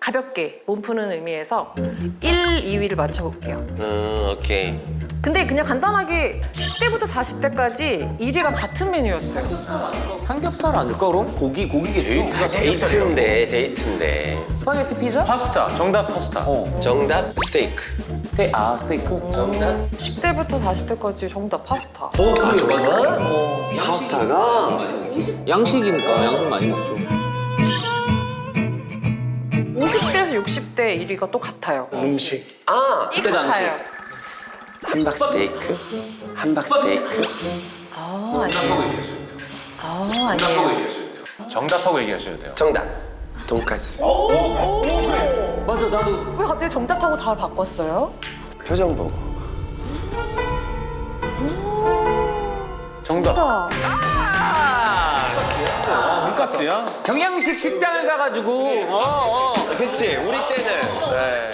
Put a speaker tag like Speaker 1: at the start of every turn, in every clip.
Speaker 1: 가볍게 몸 푸는 의미에서 1, 2위를 맞춰볼게요.
Speaker 2: 오케이.
Speaker 1: 근데 그냥 간단하게 10대부터 40대까지 1위가 같은 메뉴였어요.
Speaker 3: 삼겹살 아닐까 그럼? 고기겠죠?
Speaker 2: 데이트인데.
Speaker 3: 스파게티 피자?
Speaker 4: 파스타. 정답 파스타.
Speaker 2: 정답 스테이크.
Speaker 3: 스테이크?
Speaker 2: 정답
Speaker 1: 10대부터 40대까지 정답 파스타.
Speaker 2: 파스타가
Speaker 3: 양식이니까 양식 많이 먹죠.
Speaker 1: 50대에서 60대 1위가 또 같아요.
Speaker 5: 음식.
Speaker 1: 이
Speaker 3: 그때 당시.
Speaker 1: 같아요.
Speaker 2: 함박 스테이크. 함박 스테이크.
Speaker 1: 아니에요. 아니에요.
Speaker 4: 정답하고 얘기하셔야 돼요.
Speaker 2: 정답 돈까스.
Speaker 3: 맞아 나도
Speaker 1: 왜 갑자기 정답하고 답을 바꿨어요?
Speaker 2: 표정 보고.
Speaker 4: 정답.
Speaker 1: 나
Speaker 4: 돈가스야?
Speaker 3: 경양식 식당을 가가지고
Speaker 2: 그치 우리 때는. 네.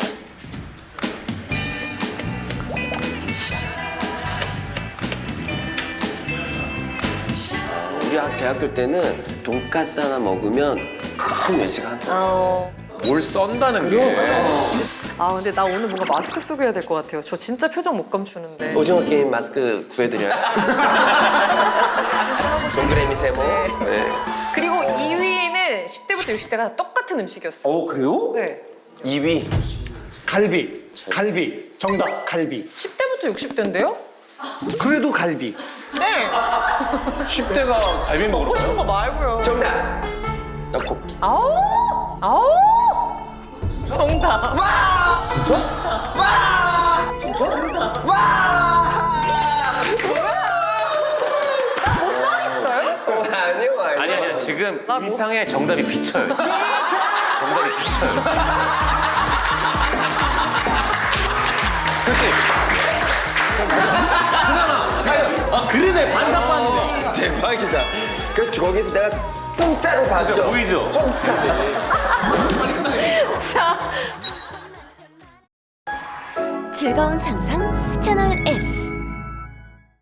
Speaker 2: 우리 대학교 때는 돈까스 하나 먹으면 큰 외식 한다.
Speaker 4: 뭘 썬다는 게.
Speaker 1: 근데 나 오늘 뭔가 마스크 쓰고 해야 될 것 같아요. 저 진짜 표정 못 감추는데.
Speaker 2: 오징어 게임 마스크 구해드려요. 동그라미 세모. 네.
Speaker 1: 그리고 2위는 10대부터 60대가 똑같은 음식이었어요.
Speaker 3: 그래요?
Speaker 1: 네.
Speaker 2: 2위.
Speaker 5: 갈비. 정답 갈비.
Speaker 1: 10대부터 60대인데요?
Speaker 5: 그래도 갈비.
Speaker 1: 네.
Speaker 4: 10대가 갈비 먹으러
Speaker 1: 먹고
Speaker 4: 가요?
Speaker 1: 싶은 거 말고요.
Speaker 2: 정답. 떡볶이.
Speaker 1: 아우! 정답. 나뭐 써있어요?
Speaker 2: 아니요.
Speaker 4: 아니야. 지금 일상에 정답이 비쳐요. 정답이 비쳐요. 그렇지?
Speaker 3: 그러네 반사판이네.
Speaker 2: 대박이다. 그래서 거기서 내가 공짜로 봤어.
Speaker 4: 보이죠?
Speaker 2: 공짜.
Speaker 1: 자.
Speaker 6: 즐거운 상상 채널 S.